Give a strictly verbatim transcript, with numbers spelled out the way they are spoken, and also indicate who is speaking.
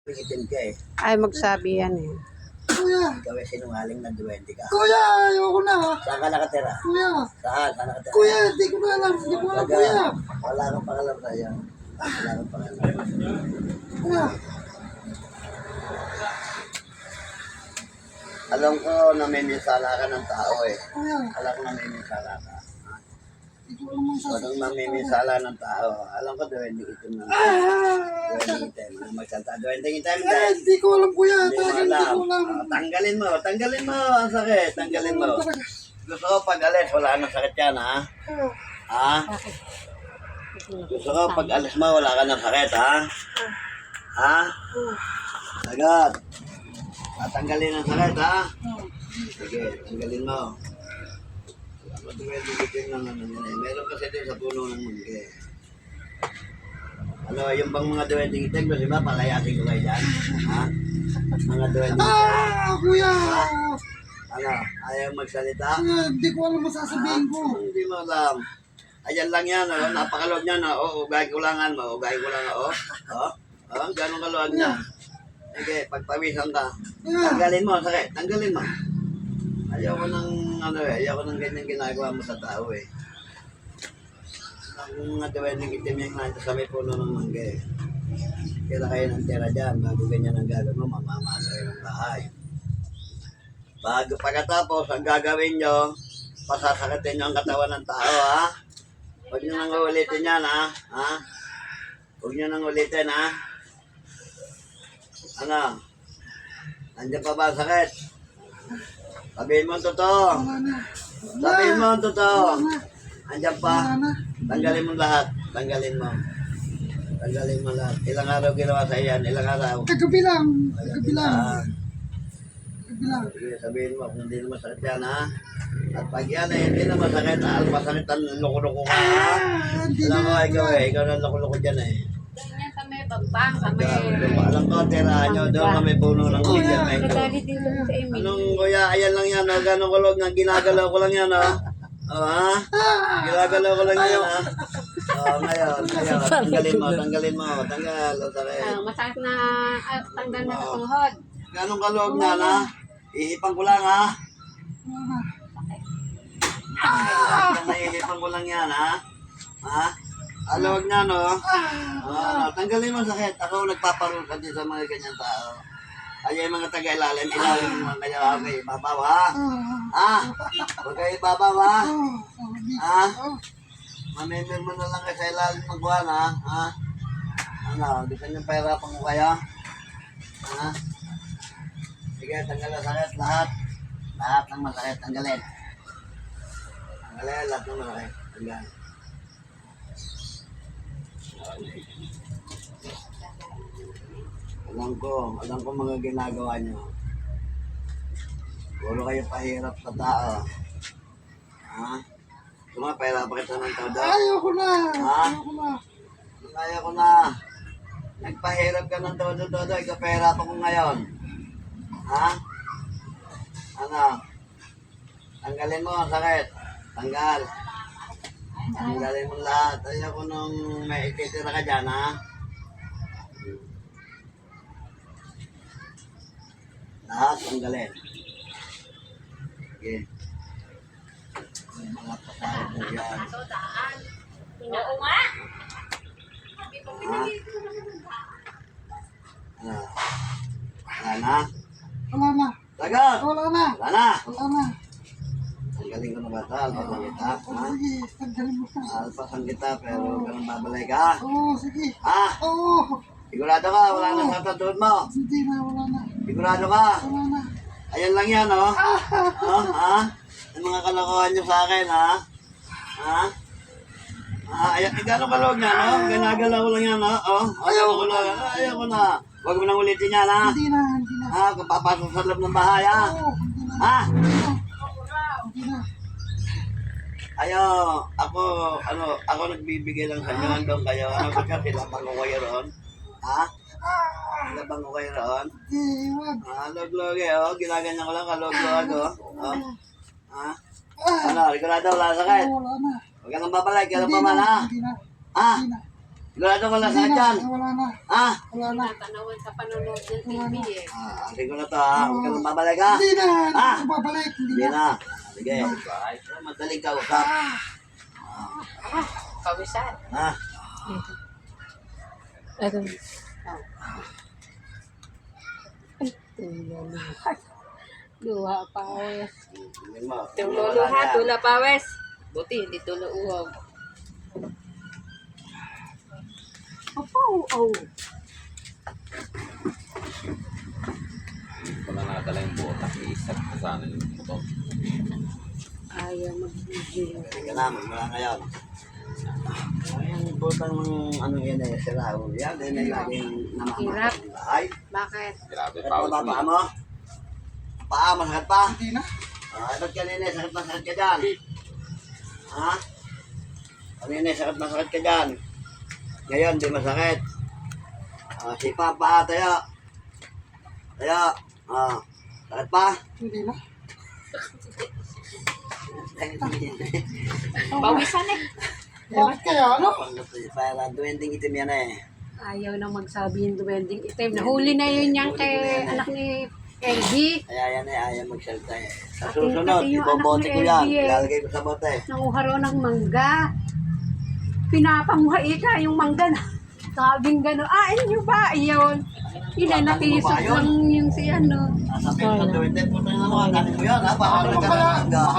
Speaker 1: Itim ka eh.
Speaker 2: Ay, magsabi yan eh.
Speaker 3: Kuya!
Speaker 1: Ikaw ay sinungaling na duwende ka.
Speaker 3: Kuya! Ayoko na!
Speaker 1: Saan ka nakatira?
Speaker 3: Kuya!
Speaker 1: Saan? Saan nakatira?
Speaker 3: Kuya! Hindi ko na alam! Hindi ko alam,
Speaker 1: Taga,
Speaker 3: kuya!
Speaker 1: wala kang pangalan sa'yo. Wala kang pangalan.
Speaker 3: Kuya!
Speaker 1: Alam ko na may minsala ka ng tao eh.
Speaker 3: Kuya!
Speaker 1: Alam ko na may minsala ka.
Speaker 3: Hindi ko alam ang
Speaker 1: Kung
Speaker 3: sasabihin.
Speaker 1: mamiminsala ng tao, alam ko duwende itim na.
Speaker 3: Ah!
Speaker 1: Duwende itim. Ano magsalta? Duwende itim.
Speaker 3: Eh, hindi ko alam, kuya!
Speaker 1: Hindi mo
Speaker 3: Talagang hindi
Speaker 1: alam.
Speaker 3: ko alam!
Speaker 1: Ah, tanggalin mo. Tanggalin mo. Ang sakit. Tanggalin mo.
Speaker 3: Talaga.
Speaker 1: Gusto ko pag alis, wala nang sakit yan ha. Ha? Gusto ko pag alis mo, wala ka ng sakit ha. Ha? Agad. Tatanggalin ang sakit ha. Sige, tanggalin mo. Matuwede-wede lang ano yan eh. Meron kasi din sa puno ng mungge. Ano, yung bang mga duwending itim, di ba, palayasin ko kayo dyan? Ha? Mga duwending itim.
Speaker 3: Ah! Kuya!
Speaker 1: Ano, ayaw magsalita?
Speaker 3: Kuya, hindi ko alam ang sasabihin ko.
Speaker 1: Ah, hindi mo alam. Ayan lang yan, oh. Napakalog niya, no? Oh, ugay kulangan mo, ugay kulangan, oh. Oh, oh, ganun kaluwag niya. Sige, pagpawisan ka. Tanggalin mo, sakit, tanggalin mo. Ayaw ko ng, ano eh, ayaw ko ng ganyan ginagawa mo sa tao eh. Ang mga duwending itim yung nandiyan sa may puno ng mangga eh. Kaya kayo ng tira dyan, bago ganyan ang gagawin mo, mamamasa kayo ng bahay. Bago pagkatapos, ang gagawin nyo, pasasakatin nyo ang katawan ng tao, ha? Huwag nyo nang ulitin yan, ha? Ha? Huwag nyo nang ulitin, ha? Ano? Nandiyan pa ba ang sakit? Sabihin mo ang totoo.
Speaker 3: Wala na.
Speaker 1: Sabihin mo ang totoo.
Speaker 3: Wala na.
Speaker 1: Andiyan pa.
Speaker 3: Wala na.
Speaker 1: Tanggalin mo lahat. Tanggalin mo. Tanggalin mo lahat. Ilang araw ginawa sa iyan? Ilang araw?
Speaker 3: Kagabi lang. Kagabi lang.
Speaker 1: Ah,
Speaker 3: Kagabi lang.
Speaker 1: sige, sabihin mo kung hindi na masakit yan, ha? At pag yan eh, hindi na masakit, ha? Masakit ang loko-loko ka, ha?
Speaker 3: Ah! Hindi
Speaker 1: Alam
Speaker 3: na.
Speaker 1: mo, ikaw eh. Ikaw na loko-loko dyan eh.
Speaker 2: Ganyan sa may bagbang, sa may...
Speaker 1: Alam ko, tirahan nyo. Doon kami puno ng kuya.
Speaker 2: Nadali din lang sa Emily.
Speaker 1: Anong kuya, ayan lang yan, oh. Ganong kulog na ginagalaw ko lang yan, oh. Oh, ha? Ginagalaw ko lang yan, ha? Oh, ngayon, ngayon. Tanggalin mo, tanggalin mo. Tanggal, o sakit.
Speaker 2: Ah, masakit na ah, tanggal na sa tuhod.
Speaker 1: Ganong kalog na, ha? Ihipang ko lang, ha? Naihipan ko lang yan, ha? Ha? Alawag na, no? Ah, tanggalin mo sakit. Ako nagpaparol ka din sa mga ganyan tao. Ay, yung mga taga-ilalim, ilalim mo kaya okay, babaw, ha? Ha? Huwag kayo babaw, ha? Ha? Mamimir mo na lang kayo sa ilalim ng buwan, ha? Ha? Ano, di ka niyong pahirapan ko kayo? Ha? Sige, tanggal ang sakit, lahat. Lahat ng masakit, tanggalin. Tanggalin, lahat ng masakit. Tanggal. Alam ko, alam ko mga ginagawa niyo. Puro kayo pahirap sa tao. Ha? Tuma, pahirapan kita ng todo.
Speaker 3: Ayoko na.
Speaker 1: Ha?
Speaker 3: Ayoko na.
Speaker 1: Kaya ko na. Nagpahirap ka ng todo-todo, ikaw pahirapan ko ngayon. Ha? Ano? Tanggalin mo ang sakit. Tanggal. Tanggalin mo lahat. Ayaw ko nung may ititira ka dyan, ha? Lahat, tanggalin. Sige. May mga pasahod mo yan.
Speaker 2: Oo nga.
Speaker 1: Ha? Ano? Wala na?
Speaker 3: Wala na.
Speaker 1: Sagot!
Speaker 3: Wala na.
Speaker 1: Wala na!
Speaker 3: Wala na.
Speaker 1: Tanggalin ko na ba ito? Alpasan kita, ha?
Speaker 3: Sige, tanggalin mo na.
Speaker 1: Alpasan kita, pero huwag ka nang babalay ka.
Speaker 3: Oo, sige.
Speaker 1: Ha?
Speaker 3: Oo.
Speaker 1: Sigurado ka, wala na sa tatuod mo.
Speaker 3: Hindi na, wala na.
Speaker 1: Sigurado ka.
Speaker 3: Wala na.
Speaker 1: Ayan lang yan, oh. Oh, ha? Yung mga kalokohan nyo sa akin, ha? Ha? Ah, ayan, eh, gano'ng kalog na, no? Ginagalaw ko lang yan, no? Oh, ayaw ko lang. Ayaw ko na. Huwag mo nang ulitin yan, ha?
Speaker 3: Hindi na, hindi na.
Speaker 1: Ha? Kung papasok sa loob ng bahay, ha?
Speaker 3: Oo, hindi na.
Speaker 1: Ha?
Speaker 3: Hindi na.
Speaker 1: Ayaw, ako, ano, ako nagbibigay lang sa inyo. Nandun kayo. Ano ba siya? Silabang ko kayo roon? Ha? Silabang ko kayo roon?
Speaker 3: Hindi, wag.
Speaker 1: Ah, log-log eh, oh. Ginaganyan ko lang, kalog-log, oh. Oh. Ha? Ano, sigurado, wala sakit.
Speaker 3: Oo, wala na.
Speaker 1: Huwag ka nang babalay, kailan
Speaker 3: Hindi
Speaker 1: pa man,
Speaker 3: na,
Speaker 1: ha?
Speaker 3: hindi na.
Speaker 1: Ha?
Speaker 3: Hindi na.
Speaker 1: Sigurado ka lang
Speaker 3: Hindi
Speaker 1: sakit
Speaker 3: na.
Speaker 1: yan.
Speaker 3: Wala na.
Speaker 1: Ha?
Speaker 3: Wala na.
Speaker 2: Natanawan sa panonood ng T V eh.
Speaker 1: Ah, sige ko na to ha. Huwag ka nang babalik ha.
Speaker 3: Hindi na. Hindi
Speaker 1: Ah!
Speaker 3: na babalik. Hindi
Speaker 1: Hindi
Speaker 3: na.
Speaker 1: na. Sige. Madaling kausap.
Speaker 2: Kawisan.
Speaker 1: Ha?
Speaker 2: Ito. Luha pa wes.
Speaker 1: Tingnan mo.
Speaker 2: Tulo luha, tula pa wes. Buti hindi tulo uwag. Opo, oh.
Speaker 4: Wala na dala yung butak, isat ka sana yung motor.
Speaker 2: Ayaw mag-video.
Speaker 1: Sige na, magmula ngayon. Ang butang ng ano yan eh, sira. Yan, din ay laging
Speaker 2: Hirap.
Speaker 1: namamakot ng bahay.
Speaker 2: Bakit?
Speaker 4: Grabe,
Speaker 1: Sakit
Speaker 4: pawis
Speaker 1: pa ba
Speaker 4: mo.
Speaker 1: paa mo? Paa, masakit pa?
Speaker 3: Hindi na.
Speaker 1: Ah, ba't kanina, sakit na sakit ka dyan? Ha? Kanina, sakit na sakit ka dyan. Ngayon, di masakit. Ah, sipa pa, tayo. Tayo. Ah, sakit pa?
Speaker 3: Hindi na.
Speaker 2: Pawisan eh.
Speaker 3: Bakit kaya ano?
Speaker 1: Para duwending itim yan eh.
Speaker 2: Ayaw na magsabi yung duwending itim. Nahuli na yun yan kay anak ni L B.
Speaker 1: Kaya yan eh, ayaw magsalita eh. Sa
Speaker 2: Pati-
Speaker 1: susunod,
Speaker 2: pati yung
Speaker 1: ibobote
Speaker 2: anak
Speaker 1: ko
Speaker 2: ni
Speaker 1: yan.
Speaker 2: L B eh.
Speaker 1: Ilalagay ko sa bote.
Speaker 2: Nanguha raw ng mangga. Pinapamuhay ka yung mangga na. Sabing gano'n, ah, inyo ba? Iyon. Inanatisok lang yung si ano.
Speaker 1: Sasabihin ko sa duwende, puto na naman, dami ko yan ha. Baka
Speaker 3: Ano
Speaker 1: nagkaroon
Speaker 3: kaya?
Speaker 1: ng hangga.